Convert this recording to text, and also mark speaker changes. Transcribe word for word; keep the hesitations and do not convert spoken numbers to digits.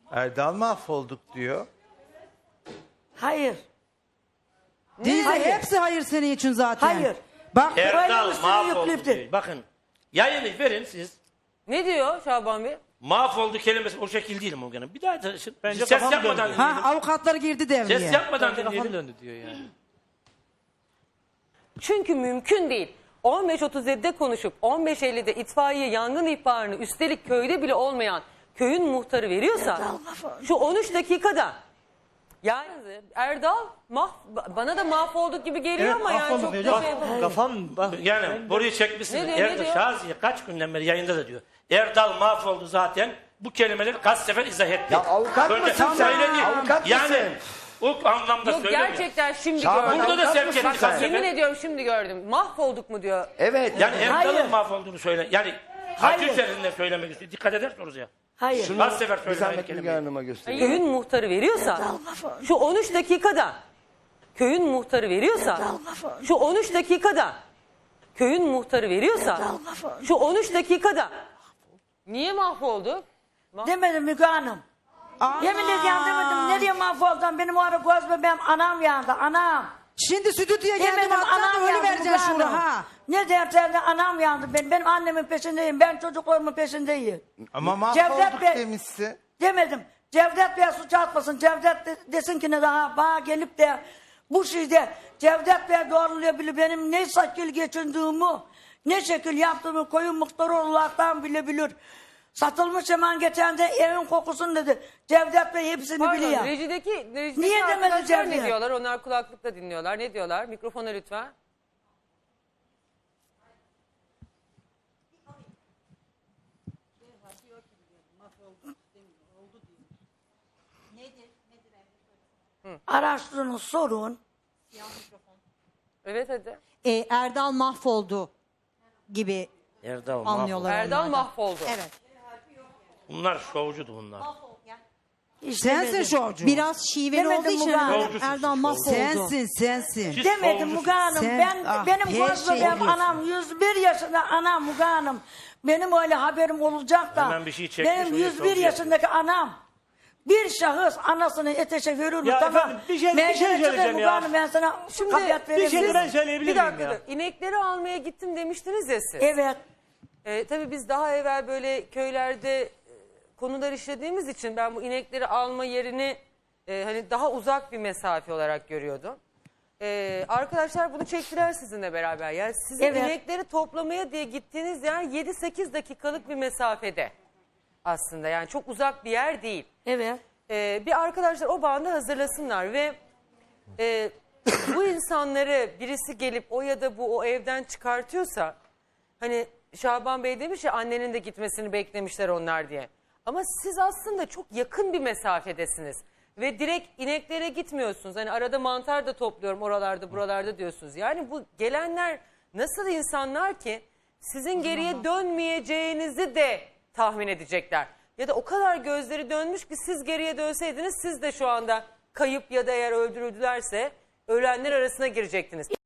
Speaker 1: Erdal mahvolduk diyor.
Speaker 2: Hayır.
Speaker 3: Değil,
Speaker 2: Hayır.
Speaker 3: hepsi hayır senin için zaten.
Speaker 2: Hayır.
Speaker 3: Bak
Speaker 4: Erdal
Speaker 2: üstüne
Speaker 4: mahvoldu
Speaker 2: yüklüydü.
Speaker 4: diyor. Bakın yayını verin siz.
Speaker 5: Ne diyor Şaban Bey?
Speaker 4: Mahvoldu kelimesi o şekil değil Müge Hanım. Bir daha da,
Speaker 6: Bence
Speaker 4: ses
Speaker 6: kafam
Speaker 4: yapmadan
Speaker 6: döndü.
Speaker 4: dinleyelim.
Speaker 3: ha avukatlar girdi devreye.
Speaker 4: Ses yapmadan
Speaker 6: Bence kafam
Speaker 4: dinleyelim.
Speaker 6: döndü diyor yani.
Speaker 5: Çünkü mümkün değil. on beş otuz yedide konuşup on beş ellide itfaiye yangın ihbarını üstelik köyde bile olmayan köyün muhtarı veriyorsa şu on üç dakikada yani Erdal mah, bana da mahvolduk gibi geliyor ama yani çok da
Speaker 6: Bak,
Speaker 5: şey
Speaker 6: kafam bak.
Speaker 4: Yani burayı çekmişsiniz.
Speaker 5: Ne diyor, ne
Speaker 4: Erdal
Speaker 5: diyor?
Speaker 4: Şaziye kaç günden beri yayında da diyor. Erdal mahvoldu zaten. Bu kelimeleri kaç sefer izah etti.
Speaker 7: Ya avukat
Speaker 4: Önce
Speaker 7: mısın sen?
Speaker 4: söyledi.
Speaker 7: Avukat
Speaker 4: yani
Speaker 7: mısın?
Speaker 4: o anlamda
Speaker 5: Yok
Speaker 4: söylemiyor.
Speaker 5: gerçekten şimdi
Speaker 7: Şaban
Speaker 5: gördüm.
Speaker 4: Burada da
Speaker 7: avukat
Speaker 4: sevk
Speaker 7: mısın
Speaker 4: etti
Speaker 7: sen?
Speaker 4: kaç
Speaker 5: Yemin
Speaker 4: sefer.
Speaker 5: ediyorum şimdi gördüm. Mahvolduk mu diyor.
Speaker 7: Evet.
Speaker 4: Yani
Speaker 2: Hayır.
Speaker 4: Erdal'ın mahvolduğunu söyle. Yani
Speaker 2: Hayır.
Speaker 4: hadis üzerinde söylemek istiyor. Dikkat edersiniz ya.
Speaker 2: Hayır.
Speaker 7: Şunu
Speaker 4: Kaç sefer
Speaker 7: bir
Speaker 4: söyledim
Speaker 7: zahmet
Speaker 4: aynı
Speaker 7: Müge
Speaker 4: kelimeyi.
Speaker 7: Hanım'a göstereyim.
Speaker 5: Köyün muhtarı veriyorsa şu on üç dakikada köyün muhtarı veriyorsa şu on üç dakikada köyün muhtarı veriyorsa şu on üç dakikada niye mahvoldu?
Speaker 2: Demedim Müge Hanım. Yemin ediyorum demedim. Ne diye mahvoldum? Benim o ara göz bebeğim anam yandı. Anam.
Speaker 3: Şimdi stüdyoya geldim
Speaker 2: Demedim
Speaker 3: hatta
Speaker 2: anam
Speaker 3: da ölü
Speaker 2: yandı
Speaker 3: vereceksin
Speaker 2: Müge
Speaker 3: şurada
Speaker 2: Hanım.
Speaker 3: ha.
Speaker 2: Ne dersen anam yandı. Ben, benim annemin peşindeyim. Ben çocuklarımın peşindeyim.
Speaker 1: Ama
Speaker 2: Cevdet
Speaker 1: mahvolduk
Speaker 2: Bey-
Speaker 1: demişsin.
Speaker 2: Demedim. Cevdet Bey suç atmasın. Cevdet de- desin ki ne daha bana gelip de bu şeyde Cevdet Bey doğrulayabilir benim ne şekil geçindiğimi, ne şekil yaptığımı koyun muhtarı olaraktan bilebilir. Satılmış hemen geçen de evin kokusunu dedi. Cevdet Bey hepsini
Speaker 5: Pardon,
Speaker 2: biliyor.
Speaker 5: rejideki, rejideki
Speaker 2: Niye demedi
Speaker 5: arkadaşlar ne
Speaker 2: Cevdet?
Speaker 5: diyorlar? Onlar kulaklıkla dinliyorlar. Ne diyorlar? Mikrofona lütfen.
Speaker 2: Araştırın sorun.
Speaker 5: Evet hadi.
Speaker 8: e, Erdal mahvoldu gibi
Speaker 4: Erdal
Speaker 8: anlıyorlar.
Speaker 4: mahvoldu.
Speaker 5: Erdal
Speaker 8: onlardan.
Speaker 5: mahvoldu.
Speaker 8: Evet.
Speaker 4: Bunlar şovcudu bunlar.
Speaker 2: İşte
Speaker 3: Sensin
Speaker 2: dedim.
Speaker 3: şovcu.
Speaker 8: Biraz şiveli
Speaker 2: Demedim
Speaker 8: olduğu için
Speaker 2: Müge Hanım.
Speaker 8: Erdal, Erdal mahvoldu.
Speaker 3: Sensin sensin.
Speaker 4: Siz
Speaker 2: Demedim
Speaker 4: şovcusunuz.
Speaker 2: Müge Hanım.
Speaker 3: Sen-
Speaker 2: Ben,
Speaker 3: ah,
Speaker 2: benim
Speaker 3: her
Speaker 2: göz
Speaker 3: şey
Speaker 2: bebeğim
Speaker 3: biliyorsun.
Speaker 2: anam yüz bir yaşında anam Müge Hanım. Benim öyle haberim olacak da.
Speaker 4: Hemen bir şey çekmiş,
Speaker 2: benim
Speaker 4: öyle
Speaker 2: yüz bir
Speaker 4: savcı
Speaker 2: yaşındaki anam. Bir şahıs anasını ateşe verir mi?
Speaker 6: Ya
Speaker 2: Tamam.
Speaker 6: efendim, bir şey- bir
Speaker 2: Ben
Speaker 6: şey
Speaker 2: şimdi
Speaker 6: söyleyeceğim
Speaker 2: Müge
Speaker 6: ya.
Speaker 2: Hanım, ben sana
Speaker 5: Şimdi
Speaker 2: kapiyat
Speaker 6: bir şey
Speaker 2: verebilirim.
Speaker 6: ben söyleyebilir
Speaker 5: Bir
Speaker 6: miyim
Speaker 5: dakika
Speaker 6: ya?
Speaker 5: dur. İnekleri almaya gittim demiştiniz ya siz.
Speaker 2: Evet.
Speaker 5: Ee, tabii biz daha evvel böyle köylerde e, konular işlediğimiz için ben bu inekleri alma yerini e, hani daha uzak bir mesafe olarak görüyordum. Ee, arkadaşlar bunu çektiler sizinle beraber. Yani sizin
Speaker 2: Evet.
Speaker 5: inekleri toplamaya diye gittiğiniz yer yedi sekiz dakikalık bir mesafede aslında. Yani çok uzak bir yer değil.
Speaker 2: Evet.
Speaker 5: Ee, bir arkadaşlar o bandı hazırlasınlar ve e, bu insanları birisi gelip o ya da bu o evden çıkartıyorsa hani Şaban Bey demiş ya annenin de gitmesini beklemişler onlar diye. Ama siz aslında çok yakın bir mesafedesiniz ve direkt ineklere gitmiyorsunuz. Hani arada mantar da topluyorum oralarda buralarda diyorsunuz. Yani bu gelenler nasıl insanlar ki sizin geriye dönmeyeceğinizi de tahmin edecekler. Ya da o kadar gözleri dönmüş ki siz geriye dönseydiniz siz de şu anda kayıp ya da eğer öldürüldülerse ölenler arasına girecektiniz.